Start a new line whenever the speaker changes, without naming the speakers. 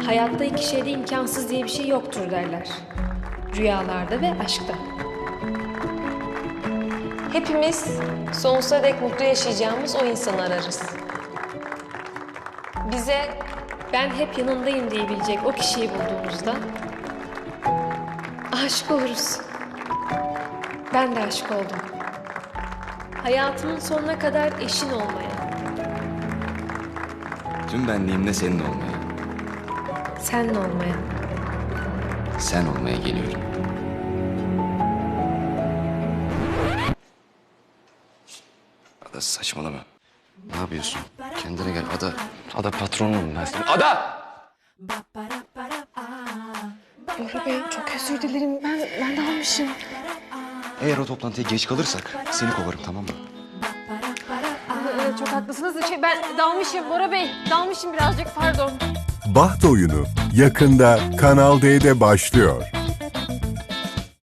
Hayatta iki şeyde imkansız diye bir şey yoktur derler. Rüyalarda ve aşkta. Hepimiz sonsuza dek mutlu yaşayacağımız o insanı ararız. Bize ben hep yanındayım diyebilecek o kişiyi bulduğumuzda aşık oluruz. Ben de aşık oldum. Hayatımın sonuna kadar eşin olmaya,
Tüm benliğimle senin olmaya,
seninle olmaya.
sen olmaya geliyorum. Ada saçmalama. Ne yapıyorsun? Kendine gel Ada. Ada patronum ben senin. Ada!
Bora Bey çok özür dilerim. Ben dalmışım.
Eğer o toplantıya geç kalırsak seni kovarım, tamam mı?
Çok haklısınız. Ben dalmışım Bora Bey. Dalmışım birazcık, pardon.
Baht Oyunu yakında Kanal D'de başlıyor.